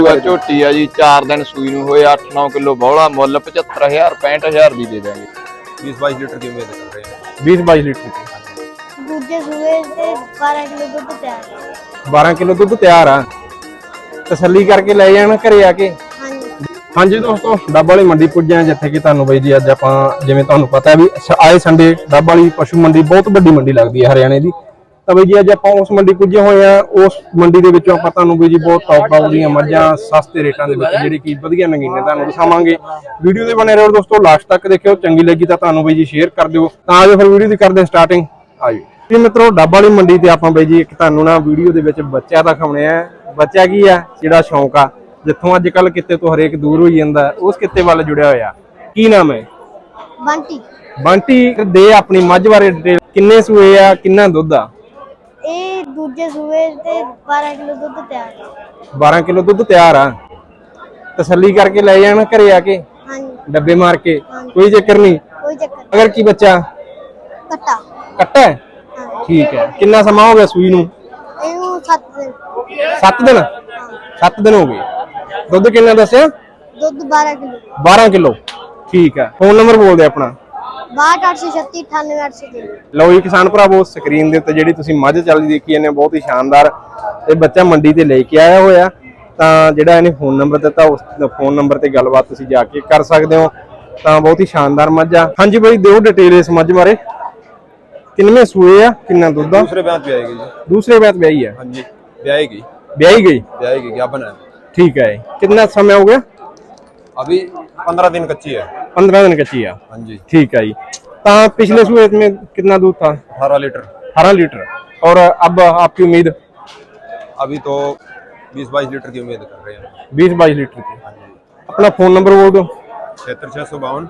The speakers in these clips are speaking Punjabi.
ਝੋਟੀ ਆ ਜੀ 4 ਦਿਨ ਸੂਈ ਨੂੰ ਹੋਏ 8-9 ਕਿਲੋ ਬੌਲਾ ਮੁੱਲ 75000 65000 ਦੀ ਦੇ ਦਾਂਗੇ। 20-22 ਲੀटर की उम्मीद कर रहे हैं। 20-22 ਲੀਟਰ ਦੀ। ਦੂਜੇ ਸੂਏ ਤੇ 12 ਕਿਲੋ ਦੁੱਧ ਤਿਆਰ ਹੈ। 12 ਕਿਲੋ ਦੁੱਧ ਤਿਆਰ ਆ, ਤਸੱਲੀ ਕਰਕੇ ਲੈ ਜਾਣਾ ਘਰੇ ਆ ਕੇ। ਹਾਂਜੀ ਹਾਂਜੀ ਦੋਸਤੋ, ਡੱਬ ਵਾਲੀ ਮੰਡੀ ਪੁੱਜੇ ਆ, ਜਿੱਥੇ ਕਿ ਤੁਹਾਨੂੰ ਬਾਈ ਜੀ ਅੱਜ ਆਪਾਂ ਜਿਵੇਂ ਤੁਹਾਨੂੰ ਪਤਾ ਵੀ ਆਏ ਸੰਡੇ ਡੱਬ ਵਾਲੀ ਪਸ਼ੂ ਮੰਡੀ ਬਹੁਤ ਵੱਡੀ ਮੰਡੀ ਲੱਗਦੀ ਹੈ ਹਰਿਆਣੇ ਦੀ। ਤਾਂ ਬਾਈ ਜੀ ਅੱਜ ਆਪਾਂ ਉਸ ਮੰਡੀ ਪੁੱਜੇ ਹੋਏ ਆ। ਉਸ ਮੰਡੀ ਦੇ ਵਿੱਚੋਂ ਆਪਾਂ ਤੁਹਾਨੂੰ ਬਾਈ ਜੀ ਬਹੁਤ ਟੌਪ ਦੀਆਂ ਮੱਝਾਂ ਸਸਤੇ ਰੇਟਾਂ ਦੇ ਵਿੱਚ ਜਿਹੜੀ ਕਿ ਵਧੀਆ ਨਗੀਨੇ ਤੁਹਾਨੂੰ ਦਿਖਾਵਾਂਗੇ। ਵੀਡੀਓ ਦੇ ਬਣੇ ਰਹੋ ਦੋਸਤੋ, ਲਾਸਟ ਤੱਕ ਦੇਖਿਓ। ਚੰਗੀ ਲੱਗੀ ਤਾਂ ਤੁਹਾਨੂੰ ਬਾਈ ਜੀ ਸ਼ੇਅਰ ਕਰ ਦਿਓ। ਤਾਂ ਆਜੋ ਫਿਰ ਵੀਡੀਓ ਦੀ ਕਰਦੇ ਸਟਾਰਟਿੰਗ। ਆਜੋ ਜੀ ਮਿੱਤਰੋ, ਡੱਬ ਵਾਲੀ ਮੰਡੀ ਤੇ ਆਪਾਂ ਬਾਈ ਜੀ ਇੱਕ ਤੁਹਾਨੂੰ ਨਾ ਵੀਡੀਓ ਦੇ ਵਿੱਚ ਬੱਚਾ ਦਿਖਾਉਣੇ ਆ। ਬੱਚਾ ਕੀ ਆ, ਜਿਹੜਾ ਸ਼ੌਂਕ ਆ, ਜਿੱਥੋਂ ਅੱਜ ਕੱਲ ਕਿਤੇ ਤੋਂ ਹਰੇਕ ਦੂਰ ਹੋਈ ਜਾਂਦਾ, ਉਸ ਕਿਤੇ ਵੱਲ ਜੁੜਿਆ ਹੋਇਆ। ਕੀ ਨਾਮ ਹੈ? ਬੰਟੀ। ਬੰਟੀ ਦੇ ਆਪਣੀ ਮੱਝ ਬਾਰੇ ਡਿਟੇਲ। ਕਿੰਨੇ ਸੂਏ ਆ, ਕਿੰਨਾ ਦੁੱਧ ਆ? ਇਹ ਦੂਜੇ ਸੂਏ ਤੇ 12 ਕਿਲੋ ਦੁੱਧ ਤਿਆਰ ਹੈ। 12 ਕਿਲੋ ਦੁੱਧ ਤਿਆਰ ਆ, ਤਸੱਲੀ ਕਰਕੇ ਲੈ ਜਾਣਾ ਘਰੇ ਆ ਕੇ। ਹਾਂਜੀ ਡੱਬੇ ਮਾਰ ਕੇ, ਕੋਈ ਚੱਕਰ ਨਹੀਂ। ਕੋਈ ਚੱਕਰ ਨਹੀਂ। ਅਗਰ ਕੀ ਬੱਚਾ ਕੱਟਾ। ਕੱਟਾ ਹੈ? ਹਾਂ ਠੀਕ ਹੈ। ਕਿੰਨਾ ਸਮਾਂ ਹੋ ਗਿਆ ਸੂਈ ਨੂੰ? ਇਹਨੂੰ 7 ਦਿਨ। 7 ਦਿਨ। 7 ਦਿਨ ਹੋ ਗਏ। ਦੁੱਧ ਕਿੰਨਾ ਦੱਸਿਆ? ਦੁੱਧ 12 ਕਿਲੋ। 12 ਕਿਲੋ। ਠੀਕ ਹੈ। ਫੋਨ ਨੰਬਰ ਬੋਲ ਦੇ ਆਪਣਾ। 6286 98803। ਲਓ ਜੀ ਕਿਸਾਨ ਭਰਾਵੋ, ਸਕਰੀਨ ਦੇ ਉੱਤੇ ਜਿਹੜੀ ਤੁਸੀਂ ਮੱਝ ਚੱਲਦੀ ਦੇਖੀ ਇਹਨੇ ਬਹੁਤ ਹੀ ਸ਼ਾਨਦਾਰ ਤੇ ਬੱਚਾ ਮੰਡੀ ਤੇ ਲੈ ਕੇ ਆਇਆ ਹੋਇਆ। ਤਾਂ ਜਿਹੜਾ ਇਹਨੇ ਫੋਨ ਨੰਬਰ ਦਿੱਤਾ, ਉਸ ਫੋਨ ਨੰਬਰ ਤੇ ਗੱਲਬਾਤ ਤੁਸੀਂ ਜਾ ਕੇ ਕਰ ਸਕਦੇ ਹੋ। ਤਾਂ ਬਹੁਤ ਹੀ ਸ਼ਾਨਦਾਰ ਮੱਝ ਆ। ਹਾਂਜੀ ਬਾਈ, ਦਿਓ ਡਿਟੇਲ ਇਸ ਮੱਝ ਬਾਰੇ। ਕਿੰਨੇ ਸੂਏ ਆ, ਕਿੰਨਾ ਦੁੱਧ ਆ? दूसरे ब्याह ब्याएगी जी। ਦੂਸਰੇ ਵਿਆਹ ਵਿਆਹੀ ਆ? हाँ जी, ब्याएगी ਵਿਆਹੀ ਗਈ। ब्याएगी क्या बना है? ਠੀਕ ਹੈ। ਕਿੰਨਾ ਸਮਾਂ ਹੋ ਗਿਆ? अभी 15 दिन कच्ची है। 15 दिन कच्ची है। हाँ जी। ठीक है जी। तो पिछले सूए में कितना दूध था? 18 लीटर। 18 लीटर। और अब आपकी उम्मीद? अभी तो 20-22 लीटर की उम्मीद कर रहे हैं। 20-22 लीटर की। हाँ जी। अपना फोन नंबर बोल दो। 7652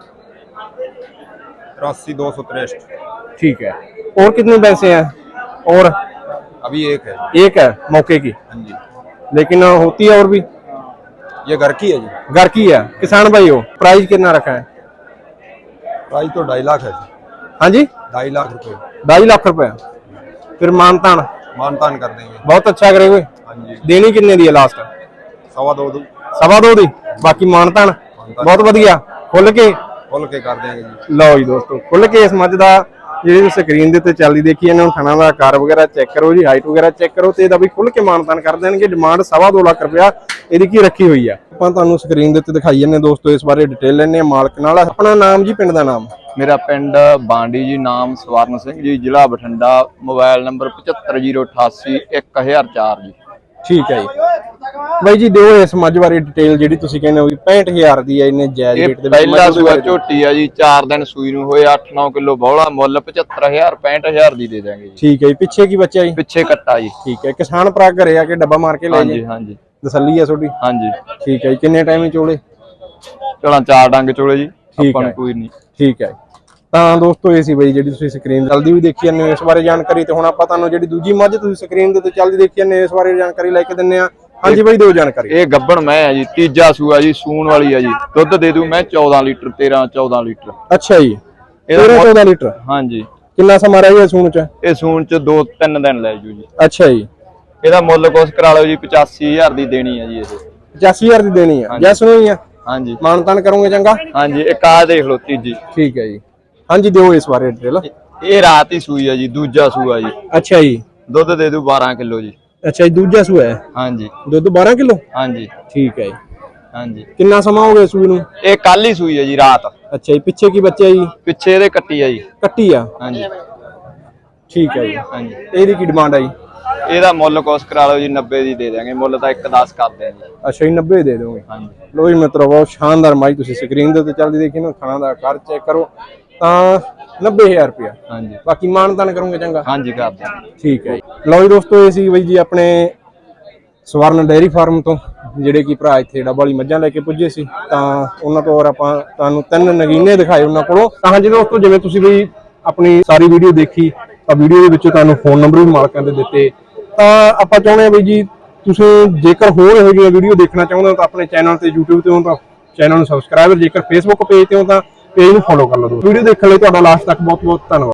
83 263। ठीक है। और कितने पैसे हैं? और अभी एक है। एक है मौके की, हाँ जी। लेकिन होती है और भी। ये घर की है जी। घर की है, किसान भाई हो। प्राइस कितना रखा है? प्राइस तो 2.5 लाख है जी। हाँ जी, 2.5 लाख रुपए 2.5 लाख रुपए। फिर मानतान मानतान कर देंगे। बहुत अच्छा करे हुए। हाँ जी। देनी कितने दी है लास्ट? 2.25 दो। 2.25 दी। बाकी मानतान बहुत वधिया खुल के खोल के कर देंगे जी। ਲਓ ਜੀ ਦੋਸਤੋ, ਖੁੱਲ ਕੇ ਇਸ ਮੱਝ ਦਾ ਜਿਹੜੀ ਸਕਰੀਨ ਦੇ ਉੱਤੇ ਚੱਲਦੀ ਦੇਖੀ ਇਹਨਾਂ ਨੂੰ ਥਣਾ ਦਾ ਆਕਾਰ ਵਗੈਰਾ ਚੈੱਕ ਕਰੋ ਜੀ, ਹਾਈਟ ਵਗੈਰਾ ਚੈੱਕ ਕਰੋ ਤੇ ਇਹਦਾ ਵੀ ਖੁੱਲ ਕੇ ਮਾਨਤਾਨ ਕਰ ਦੇਣਗੇ। ਡਿਮਾਂਡ 2.25 ਲੱਖ ਰੁਪਇਆ ਇਹਦੀ ਕੀ ਰੱਖੀ ਹੋਈ ਆ। ਆਪਾਂ ਤੁਹਾਨੂੰ ਸਕਰੀਨ ਦੇ ਉੱਤੇ ਦਿਖਾਈ ਜਾਂਦੇ ਦੋਸਤੋ, ਇਸ ਬਾਰੇ ਡਿਟੇਲ ਲੈਣੇ ਆ ਮਾਲਕ ਨਾਲ। ਆਪਣਾ ਨਾਮ ਜੀ, ਪਿੰਡ ਦਾ ਨਾਮ? ਮੇਰਾ ਪਿੰਡ ਬਾਂਡੀ ਜੀ, ਨਾਮ ਸਵਰਨ ਸਿੰਘ ਜੀ, ਜ਼ਿਲ੍ਹਾ ਬਠਿੰਡਾ, ਮੋਬਾਈਲ ਨੰਬਰ 7508 1004 ਜੀ। ਠੀਕ ਹੈ ਜੀ। ਬਾਈ ਜੀ ਦਿਓ ਇਸ ਮੱਝ ਬਾਰੇ ਡਿਟੇਲ ਜਿਹੜੀ ਤੁਸੀਂ ਕਹਿੰਦੇ ਹੋ ਵੀ 65000 ਦੀ ਹੈ, ਇਹਨੇ ਜਾਇਜ਼ ਰੇਟ ਦੇ ਵਿੱਚ। ਪਹਿਲਾ ਸੂਆ ਝੋਟੀ ਆ ਜੀ, 4 ਦਿਨ ਸੂਈ ਨੂੰ ਹੋਏ 8-9 ਕਿਲੋ ਬੌਲਾ ਮੁੱਲ 75000 65000 ਦੀ ਦੇ ਦਾਂਗੇ ਜੀ। ਠੀਕ ਹੈ ਜੀ। ਪਿੱਛੇ ਕੀ ਬੱਚਾ ਜੀ? ਪਿੱਛੇ ਕੱਟਾ ਜੀ। ਠੀਕ ਹੈ। ਕਿਸਾਨ ਭਰਾ ਘਰੇ ਆ ਕੇ ਡੱਬਾ ਮਾਰ ਕੇ ਲੈ ਹਾਂਜੀ ਜੀ। ਹਾਂਜੀ ਤਸੱਲੀ ਆ ਤੁਹਾਡੀ? ਹਾਂਜੀ। ਠੀਕ ਹੈ ਜੀ। ਕਿੰਨੇ ਟਾਈਮ ਹੀ ਚੋਲੇ? ਚਲਾਂ 4 ਡੰਗ ਚੋਲੇ ਜੀ, ਠੀਕ ਆਪਾਂ ਨੂੰ ਹੈ। ਕੋਈ ਨਹੀਂ। ਠੀਕ ਹੈ। ਤਾਂ ਦੋਸਤੋ ਇਹ ਸੀ ਬਈ ਜਿਹੜੀ ਤੁਸੀਂ ਸਕਰੀਨ ਚੱਲਦੀ ਵੀ ਦੇਖੀ ਜਾਂਦੇ ਹੋ ਇਸ ਬਾਰੇ ਜਾਣਕਾਰੀ। ਤੇ ਹੁਣ ਆਪਾਂ ਤੁਹਾਨੂੰ ਜਿਹੜੀ ਦੂਜੀ ਮੱਝ ਤੁਸੀਂ ਸਕਰੀਨ ਦੇ ਉੱਤੇ ਚੱਲਦੀ ਦੇਖੀ ਜਾਂਦੇ ਹੋ ਇਸ ਬਾਰੇ ਜਾਣਕਾਰੀ ਲੈ ਕੇ ਦਿੰਨੇ ਆ। ਹਾਂਜੀ ਬਾਈ ਦਿਓ ਜਾਣਕਾਰੀ। ਇਹ ਗੱਬਣ ਮੈਂ ਆ ਜੀ, ਤੀਜਾ ਸੂਆ ਜੀ, ਸੂਣ ਵਾਲੀ ਆ ਜੀ। ਦੁੱਧ ਦੇ ਦੂ ਮੈਂ 14 ਲੀਟਰ, 13-14 ਲੀਟਰ। ਅੱਛਾ ਜੀ। ਇਹਦਾ 14 ਲੀਟਰ। ਹਾਂਜੀ। ਕਿੰਨਾ ਸਮਾਂ ਰਹਿ ਗਿਆ ਸੂਣ ਚ? ਇਹ ਸੂਣ ਚ 2-3 ਦਿਨ ਲੈ ਜੂ ਜੀ। ਅੱਛਾ ਜੀ। ਇਹਦਾ ਮੁੱਲ ਕੁਛ ਕਰਾ ਲਓ ਜੀ, 85000 ਦੀ ਦੇਣੀ ਆ ਜੀ ਇਹ। 85000 ਦੀ ਦੇਣੀ ਆ। ਜੈਸ ਨੂੰ ਹੀ ਆ? ਹਾਂਜੀ। ਮਾਨਤਾਨ ਕਰੋਗੇ ਚੰਗਾ? ਹਾਂਜੀ। ਇੱਕ ਆ ਦੇਖ ਲਓ ਤੀਜੀ। ਠੀਕ ਹੈ ਜੀ। ਹਾਂਜੀ ਦਿਓ ਇਸ ਬਾਰੇ ਡਿਟੇਲ। ਇਹ ਰਾਤ ਹੀ ਸੂਈ ਆ ਜੀ, ਦੂਜਾ ਸੂਆ ਜੀ। ਅੱਛਾ ਜੀ। ਦੁੱਧ ਦੇ ਦੂ 12 ਕਿਲੋ ਜੀ। ਅੱਛਾ ਜੀ, ਦੂਜਾ ਸੂਆ ਹੈ। ਹਾਂਜੀ। ਦੁੱਧ 12 ਕਿਲੋ। ਹਾਂਜੀ। ਠੀਕ ਹੈ ਜੀ। ਹਾਂਜੀ। ਕਿੰਨਾ ਸਮਾਂ ਹੋ ਗਿਆ ਸੂਈ ਨੂੰ? ਇਹ ਕੱਲ ਹੀ ਸੂਈ ਆ ਜੀ, ਰਾਤ। ਅੱਛਾ ਜੀ। ਪਿੱਛੇ ਕੀ ਬੱਚਾ ਜੀ? ਪਿੱਛੇ ਇਹਦੇ ਕੱਟੀ ਆ ਜੀ। ਕੱਟੀ ਆ? ਹਾਂਜੀ। ਠੀਕ ਹੈ ਜੀ। ਹਾਂਜੀ। ਇਹਦੀ ਕੀ ਡਿਮਾਂਡ ਆ ਜੀ? ਇਹਦਾ ਮੁੱਲ ਕੁਛ ਕਰਾ ਲਓ ਜੀ, 90 ਦੀ ਦੇ ਦਾਂਗੇ। ਮੁੱਲ ਤਾਂ 1.10 ਕਰਦੇ ਆ ਜੀ। ਅੱਛਾ ਜੀ, 90 ਦੇ ਦੋਗੇ। ਹਾਂਜੀ। ਲੋ ਜੀ ਮਿੱਤਰੋ, ਬਹੁਤ ਸ਼ਾਨਦਾਰ ਮਾਈ ਤੁਸੀਂ ਸਕਰੀਨ ਦੇ ਉੱਤੇ ਚੱਲਦੀ ਦੇਖੀ ਨਾ, ਖਾਣਾ ਦਾ ਆਕਾਰ ਚੈੱਕ ਕਰੋ। ਤਾਂ 90000 ਰੁਪਇਆ। ਹਾਂਜੀ। ਬਾਕੀ ਮਾਨਤਾਨ ਕਰੋਗੇ ਚੰਗਾ? ਹਾਂਜੀ ਕਰ ਦਾਂਗੇ। ਠੀਕ ਹੈ ਜੀ। ਲਓ ਜੀ ਦੋਸਤੋ, ਇਹ ਸੀ ਬਈ ਜੀ ਆਪਣੇ ਸਵਰਨ ਡੇਅਰੀ ਫਾਰਮ ਤੋਂ ਜਿਹੜੇ ਕਿ ਭਰਾ ਇੱਥੇ ਡੱਬ ਵਾਲੀ ਮੱਝਾਂ ਲੈ ਕੇ ਪੁੱਜੇ ਸੀ। ਤਾਂ ਉਹਨਾਂ ਤੋਂ ਆਪਾਂ ਤੁਹਾਨੂੰ 3 ਨਗੀਨੇ ਦਿਖਾਏ ਉਹਨਾਂ ਕੋਲੋਂ। ਤਾਂ ਹਾਂਜੀ ਦੋਸਤੋ, ਜਿਵੇਂ ਤੁਸੀਂ ਬਈ ਆਪਣੀ ਸਾਰੀ ਵੀਡੀਓ ਦੇਖੀ ਤਾਂ ਵੀਡੀਓ ਦੇ ਵਿੱਚੋਂ ਤੁਹਾਨੂੰ ਫੋਨ ਨੰਬਰ ਵੀ ਮਾਲਕਾਂ ਦੇ ਦਿੱਤੇ। ਤਾਂ ਆਪਾਂ ਚਾਹੁੰਦੇ ਹਾਂ ਬਈ ਜੀ ਤੁਸੀਂ ਜੇਕਰ ਹੋਰ ਇਹੋ ਜਿਹੀਆਂ ਵੀਡੀਓ ਦੇਖਣਾ ਚਾਹੁੰਦੇ ਹੋ ਤਾਂ ਆਪਣੇ ਚੈਨਲ ਤੇ YouTube ਤੇ ਹੋ ਤਾਂ ਚੈਨਲ ਨੂੰ ਸਬਸਕ੍ਰਾਈਬ, ਜੇਕਰ Facebook ਪੇਜ ਤੇ ਹੋ ਤਾਂ ਪੇਜ ਨੂੰ ਫੋਲੋ ਕਰ ਲਓ। ਵੀਡੀਓ ਦੇਖਣ ਲਈ ਤੁਹਾਡਾ ਲਾਸਟ ਤੱਕ ਬਹੁਤ ਬਹੁਤ ਧੰਨਵਾਦ।